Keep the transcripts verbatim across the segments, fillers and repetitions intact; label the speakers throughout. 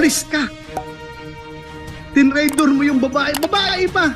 Speaker 1: Pulis ka. Tinraidor mo yung babae. Babae pa.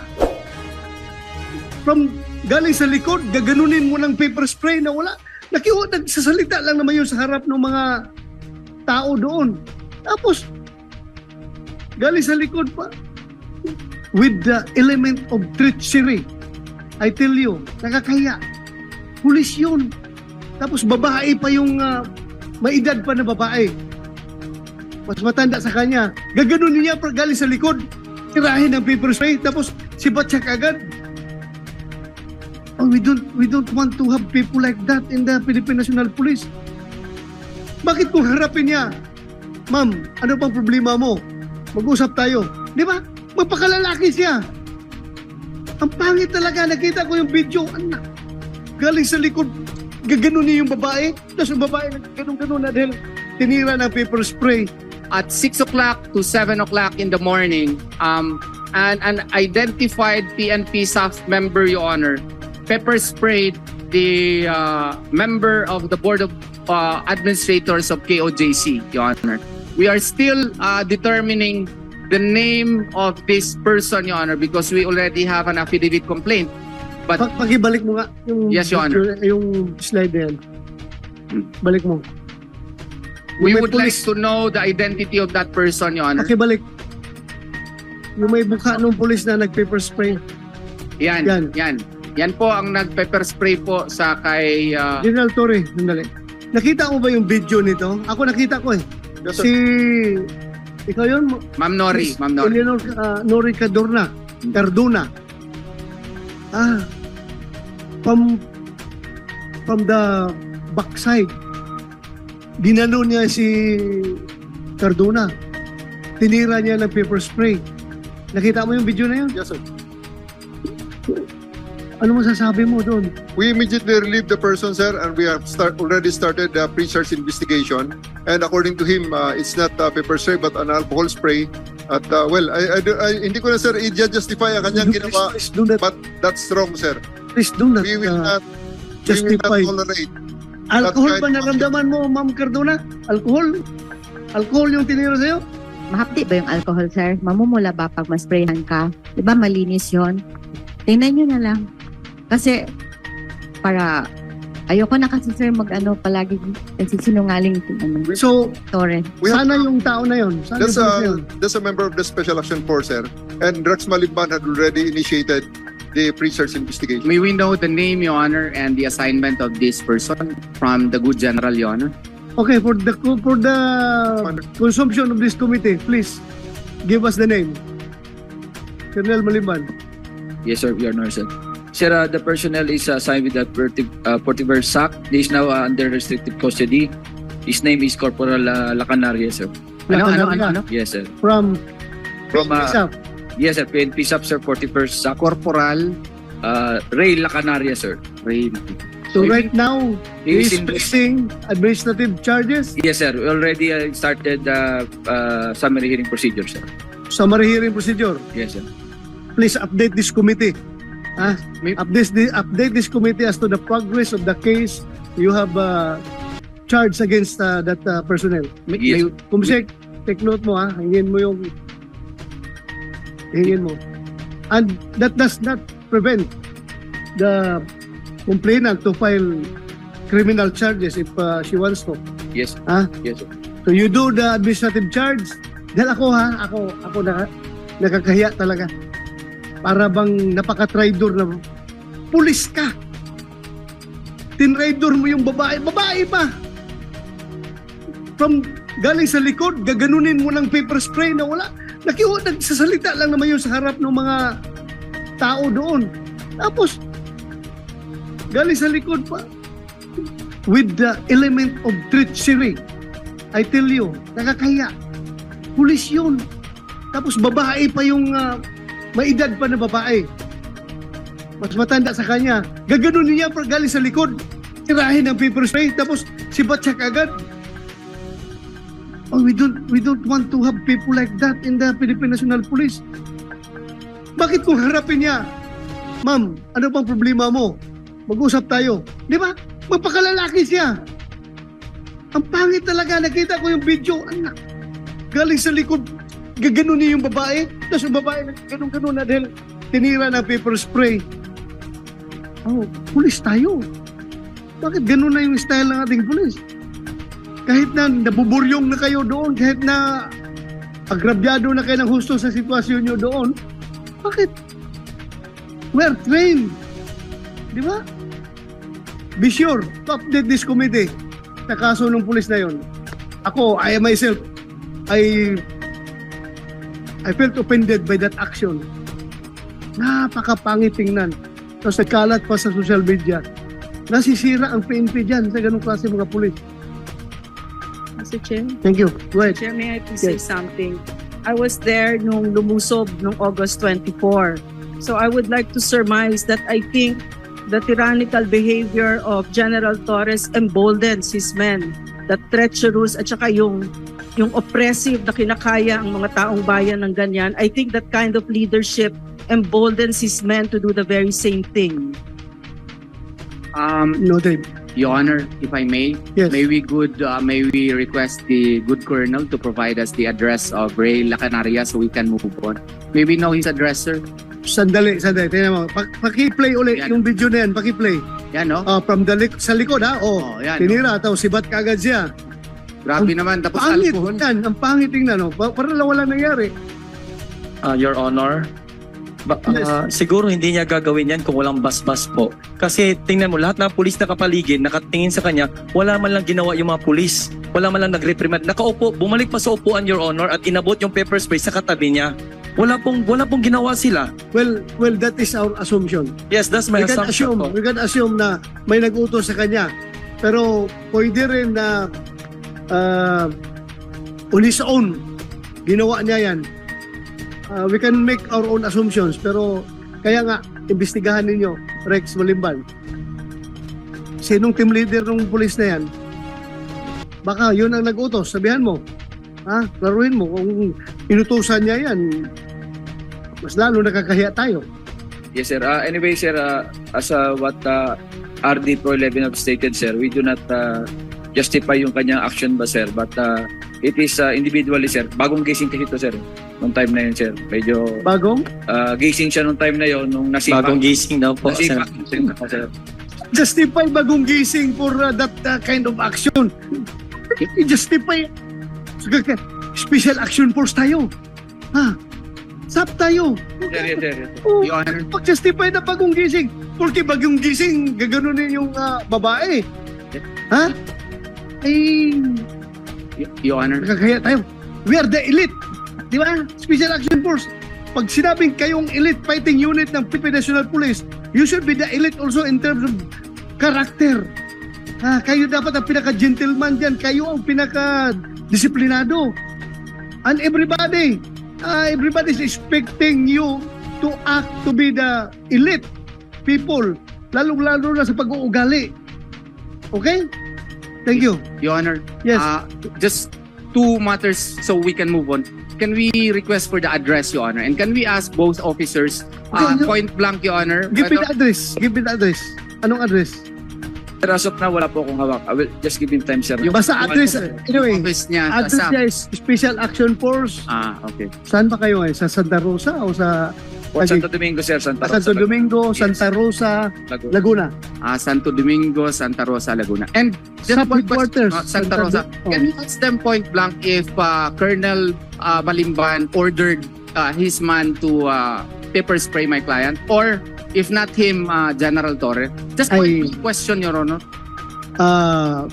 Speaker 1: From galing sa likod, gaganunin mo ng paper spray na wala. Nakiwa, nagsasalita lang naman yun sa harap ng mga tao doon. Tapos, galing sa likod pa. With the element of treachery. I tell you, nakakaya. Pulis yun. Tapos babae pa yung uh, may edad pa na babae. Mas matanda sa kanya. Gaganon niya pag galing sa likod. Tirahin ng paper spray. Tapos sibat siya kagad. Oh, we don't we don't want to have people like that in the Philippine National Police. Bakit kung harapin niya? Ma'am, ano pang problema mo? Mag-usap tayo. Di ba? Magpakalalaki siya. Ang pangit talaga. Nakita ko yung video. Anak. Galing sa likod. Gaganon niya yung babae. Tapos yung babae nagganon-ganon na dahil tinira ng paper spray.
Speaker 2: At six o'clock to seven o'clock in the morning, um, an, an identified P N P S A F member, Your Honor, pepper sprayed the uh, member of the Board of uh, Administrators of K O J C, Your Honor. We are still uh, determining the name of this person, Your Honor, because we already have an affidavit complaint. But
Speaker 1: Pag pakibalik mo nga yung,
Speaker 2: Yes, Your Honor.
Speaker 1: yung slide na yan. Balik mo.
Speaker 2: we
Speaker 1: Yung may
Speaker 2: would like
Speaker 1: pulis-
Speaker 2: to know the identity of that person, Your Honor.
Speaker 1: Pakibalik. Yung may bukha ng pulis na nag-paper spray.
Speaker 2: Yan,
Speaker 1: Yan.
Speaker 2: yan. Yan po ang nag-pepper spray po sa kay... uh,
Speaker 1: General Torre, sandali. Nakita mo ba yung video nito? Ako nakita ko eh.
Speaker 3: Yes, sir.
Speaker 1: Si... Ikaw yun?
Speaker 2: Ma'am Nori, Ma'am Nori.
Speaker 1: Eleanor uh, Nori Cadorna. Cardona. Ah. From... From the backside. Ginano niya si Cardona. Tinira niya ng paper spray. Nakita mo yung video na yun?
Speaker 3: Yes, sir.
Speaker 1: Ano masasabi mo doon?
Speaker 3: We immediately relieved the person, sir, and we have start already started the pre-search investigation. And according to him, uh, it's not uh, pepper spray but an alcohol spray. At uh, well, I, I, I, hindi ko na, sir, i-justify ang kanyang
Speaker 1: Please,
Speaker 3: ginawa,
Speaker 1: please do not,
Speaker 3: but that's wrong, sir.
Speaker 1: please do not
Speaker 3: We will
Speaker 1: uh,
Speaker 3: not, we will
Speaker 1: justify.
Speaker 3: not tolerate.
Speaker 1: Alcohol
Speaker 3: That's
Speaker 1: ba
Speaker 3: right.
Speaker 1: naramdaman mo, Ma'am Cardona? Alcohol? Alcohol yung tinira sa'yo?
Speaker 4: Mahapdi ba yung alcohol, sir? Mamumula ba pag masprayhan ka? Di ba malinis yon? Tingnan nyo na lang. Kasi, para, ayoko na kasi, sir, mag-ano, palagi nagsisinungaling ano,
Speaker 1: So,
Speaker 4: Torre.
Speaker 3: We have,
Speaker 1: sana yung tao na yun. Sana
Speaker 3: that's,
Speaker 1: yung tao na
Speaker 3: a,
Speaker 1: yun.
Speaker 3: that's a member of the Special Action Force, sir. And Rex Malimban had already initiated the pre-search investigation.
Speaker 2: May we know the name, Your Honor, and the assignment of this person from the good general, Your Honor?
Speaker 1: Okay, for the for the consumption of this committee, please, give us the name. Colonel Maliban.
Speaker 5: Yes, sir, Your Honor, sir. Sir, uh, the personnel is uh, assigned with the Portiver S A C. He is now uh, under restricted custody. His name is Corporal uh, Lacanaria, sir.
Speaker 2: Ano, ano, ano,
Speaker 1: Lacanaria.
Speaker 2: ano?
Speaker 5: Yes, sir.
Speaker 1: From
Speaker 5: From, uh,
Speaker 1: P S A F.
Speaker 5: yes, sir, P N P S A F, sir, Portiver S A C.
Speaker 2: Corporal
Speaker 5: Uh, Ray Lacanaria, sir.
Speaker 2: Ray.
Speaker 1: So right now, he
Speaker 5: He
Speaker 1: is
Speaker 5: is in-
Speaker 1: facing administrative charges,
Speaker 5: Yes, sir. We already uh, started uh, uh, summary hearing procedure, sir.
Speaker 1: summary hearing procedure.
Speaker 5: Yes, sir.
Speaker 1: Please update this committee. Ah,
Speaker 2: May-
Speaker 1: update the update this committee as to the progress of the case you have uh, charged against uh, that uh, personnel.
Speaker 2: May,
Speaker 5: Yes.
Speaker 2: may-
Speaker 1: Kumisek, take note mo ha, hingin mo yung hingin mo. And that does not prevent the complainant to file criminal charges if uh, she wants to.
Speaker 5: Yes,
Speaker 1: Ha?
Speaker 5: yes, sir.
Speaker 1: So you do the administrative charge. Dahil ako ha, ako, ako na, nakakahiya talaga. Para bang napaka-traidor na pulis ka. Tinraidor mo yung babae. Babae pa. From galing sa likod, gaganunin mo ng paper spray na wala. Nakiwa, nagsasalita lang naman yun sa harap ng mga tao doon. Tapos, galing sa likod pa. With the element of treachery. I tell you, nakakahiya. Pulis yun. Tapos babae pa yung uh, may edad pa na babae. Mas matanda sa kanya. Gaganon niya pag galing sa likod. Tirahin ng paper spray. Tapos sibat siya kagad. Oh, we don't, we don't want to have people like that in the Philippine National Police. Bakit kung harapin niya? Ma'am, ano bang problema mo? Mag-usap tayo. Di ba? Magpakalalaki siya. Ang pangit talaga. Nakita ko yung video. Anak. galing sa likod, gaganon niya yung babae, tapos yung babae ganun-ganon na dahil tinira ng paper spray. Oh, pulis tayo. Bakit ganun na yung style ng ating pulis? Kahit na nabuburyong na kayo doon, kahit na agrabyado na kayo ng husto sa sitwasyon nyo doon, bakit? We're trained. Di ba? Be sure to update this committee sa kaso ng pulis na yon. Ako, I myself, I I felt offended by that action. Napakapangit tingnan. Tapos nagkalat pa sa social media. Nasisira ang P N P dyan sa ganung klase mga pulis.
Speaker 6: Mister Chair,
Speaker 1: Thank you. Go ahead.
Speaker 6: Chair, may I please say
Speaker 1: Yes.
Speaker 6: something? I was there nung lumusob nung August twenty-four. So I would like to surmise that I think the tyrannical behavior of General Torres emboldens his men. The treacherous at saka yung yung oppressive na kinakaya ang mga taong bayan ng ganyan. I think that kind of leadership emboldens his men to do the very same thing.
Speaker 2: Um,
Speaker 1: Noted.
Speaker 2: Your Honor, if I may,
Speaker 1: Yes.
Speaker 2: may we good, uh, may we request the good colonel to provide us the address of Ray Lacanaria so we can move on. May we know his address, sir?
Speaker 1: Sandali, sandali. Tingnan mo. Pa- paki-play ulit
Speaker 2: Yan.
Speaker 1: yung video na yan. Paki-play.
Speaker 2: Yan, no?
Speaker 1: Ah, from the lik- sa likod, ha? Oh,
Speaker 2: Oh, yan.
Speaker 1: tinira. Tapos sibat kagad siya.
Speaker 2: Grabe naman. Tapos
Speaker 1: Pangit.
Speaker 2: alcohol.
Speaker 1: Yan. Ang pangit tingnan, no? Pa- Para lang walang nangyari.
Speaker 7: Uh, Your Honor, ba-
Speaker 1: Yes.
Speaker 7: uh, siguro hindi niya gagawin yan kung walang basbas po. Kasi tingnan mo, lahat ng pulis na kapaligid, nakatingin sa kanya, wala man lang ginawa yung mga pulis. Wala man lang nag-reprimand. Nakaupo, bumalik pa sa upuan, Your Honor, at inabot yung pepper spray sa katabi niya. Wala pong, wala pong ginawa sila.
Speaker 1: Well, well, that is our assumption.
Speaker 7: Yes, that's my
Speaker 1: We can
Speaker 7: assumption
Speaker 1: assume,
Speaker 7: po.
Speaker 1: we can assume na may nag-utos sa kanya. Pero pwede rin na uh, on his own, ginawa niya yan. Uh, we can make our own assumptions. Pero kaya nga, imbestigahan ninyo, Rex Malimban. Sinong team leader ng pulis na yan? Baka yun ang nag-utos. Sabihan mo. Ha? Klaruhin mo. Kung inutusan niya yan, mas lalo nakakahiya tayo.
Speaker 5: Yes, sir. Uh, anyway, sir, uh, as uh, what uh, R D Pro eleven have stated, sir, we do not uh, justify yung kanyang action ba, sir? But uh, it is uh, individually, sir. Bagong gising kasi ito, sir. Nung time na yun, sir. Medyo
Speaker 1: Bagong?
Speaker 5: uh, gising siya nung time na yun, nung nasipa.
Speaker 7: Bagong gising daw po.
Speaker 5: Nasipa,
Speaker 7: Senator.
Speaker 5: sir.
Speaker 1: Justify bagong gising for uh, that uh, kind of action. I-justify. Special action force tayo. Ha? Sap tayo.
Speaker 5: Sir, yes, sir, yes, sir.
Speaker 1: Oh,
Speaker 2: Your Honor,
Speaker 1: pag-justify na bagong gising. Porque bagong gising, gaganunin yung uh, babae. Ha? Ay,
Speaker 2: Y- Your Honor,
Speaker 1: nakakaya tayo. We are the elite. Di ba? Special Action Force. Pag sinabing kayong elite fighting unit ng Philippine National Police, you should be the elite also in terms of character. Ah, kayo dapat ang pinaka-gentleman dyan. Kayo ang pinaka-disiplinado. And everybody, ah, everybody is expecting you to act to be the elite people. Lalong-lalo na sa pag-uugali. Okay? Thank you.
Speaker 2: Your Honor,
Speaker 1: Yes.
Speaker 2: uh, just two matters so we can move on. Can we request for the address, Your Honor? And can we ask both officers, uh,
Speaker 1: Okay, no.
Speaker 2: point blank, Your Honor?
Speaker 1: Give me
Speaker 2: whether-
Speaker 1: the address. Give me the address. Anong address?
Speaker 5: Sir, as of now, wala po akong hawak. I will just give him time, sir.
Speaker 2: Yung-
Speaker 1: Basta address. Anyway,
Speaker 2: office niya sa
Speaker 1: address
Speaker 2: S A P.
Speaker 1: niya is Special Action Force.
Speaker 2: Ah, okay.
Speaker 1: Saan ba kayo eh? Sa Santa Rosa o sa
Speaker 5: O, Santo Domingo, sir. Santa Rosa.
Speaker 1: Santo Domingo,
Speaker 5: Yes.
Speaker 1: Santa Rosa,
Speaker 5: Laguna.
Speaker 1: Laguna?
Speaker 2: Ah, Santo Domingo, Santa Rosa, Laguna. And just
Speaker 1: Sa
Speaker 2: one
Speaker 1: headquarters.
Speaker 2: question, uh, Santa Rosa.
Speaker 1: Oh.
Speaker 2: Can you ask them point blank if uh, Colonel uh, Balimban ordered uh, his man to uh, pepper spray my client, or if not him, uh, General Torre? Just point
Speaker 1: Ay-
Speaker 2: blank question, Your Honor.
Speaker 1: Uh,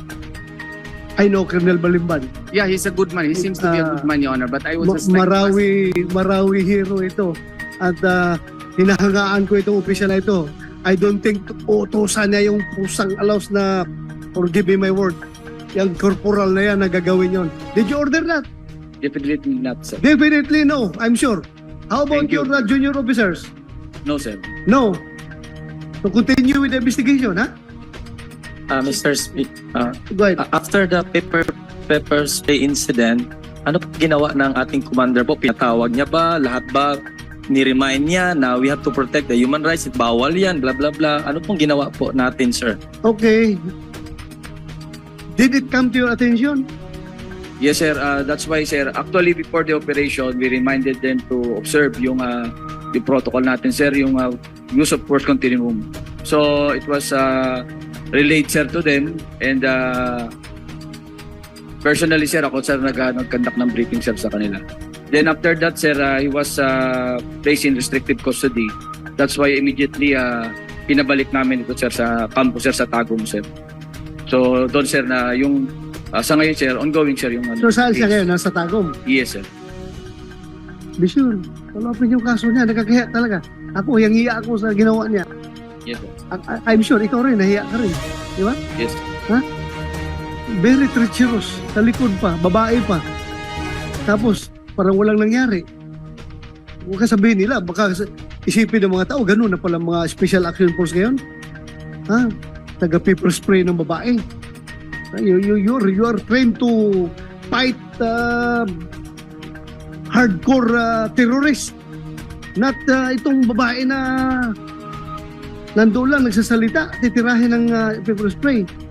Speaker 1: I know Colonel Balimban.
Speaker 2: Yeah, he's a good man. He seems to be a
Speaker 1: Uh,
Speaker 2: good man, Your Honor. But I was
Speaker 1: Ma-
Speaker 2: just like to ask-
Speaker 1: Marawi, Marawi hero ito. At uh, hinahangaan ko itong opisyal na ito. I don't think utosan niya yung pusang alaws na, forgive me my word, yung corporal na yan na gagawin yon. Did you order that?
Speaker 5: Definitely not, sir.
Speaker 1: Definitely no, I'm sure. How about
Speaker 5: Thank you.
Speaker 1: your uh, junior officers?
Speaker 5: No, sir.
Speaker 1: No. So continue with the investigation, ha?
Speaker 7: Uh, Mister Speak, uh,
Speaker 1: Go ahead.
Speaker 7: uh, after the pepper pepper spray incident, ano po ginawa ng ating commander po? Pinatawag niya ba? Lahat ba? Ni-remind niya na we have to protect the human rights, bawal yan, blah blah blah. Ano pong ginawa po natin, sir?
Speaker 1: Okay. Did it come to your attention
Speaker 5: Yes, sir. Uh, that's why, sir, actually before the operation, we reminded them to observe yung, uh, yung protocol natin, sir, yung uh, use of force continuum. So it was uh, relayed, sir, to them. And uh, personally, sir, ako, sir, nag, uh, nag-conduct ng briefing, sir, sa kanila. Then after that, sir, uh, he was uh, placed in restricted custody. That's why immediately uh, pinabalik namin ito, sir, sa campus, sir, sa Tagum, sir. So doon, sir, na yung uh, sa ngayon, sir, ongoing, sir, yung ano.
Speaker 1: So saan siya
Speaker 5: case.
Speaker 1: ngayon? Nasa Tagum?
Speaker 5: Yes, sir.
Speaker 1: Be sure. Kalapin yung kaso niya. Nagkakiya talaga. Ako, yung hiya ako sa ginawa niya.
Speaker 5: Yes, sir.
Speaker 1: I- I- I'm sure, ikaw rin, nahiya ka rin. Di ba?
Speaker 5: Yes.
Speaker 1: Very treacherous. Sa likod pa, babae pa. Tapos, parang walang nangyari. Huwag ka sabihin nila, baka isipin ng mga tao, ganun na pala mga Special Action Force ngayon. Ha? Taga-paper spray ng babae. You, you, you're, you are trained to fight uh, hardcore uh, terrorist. Not uh, itong babae na nandoon lang nagsasalita, titirahin ng uh, paper spray.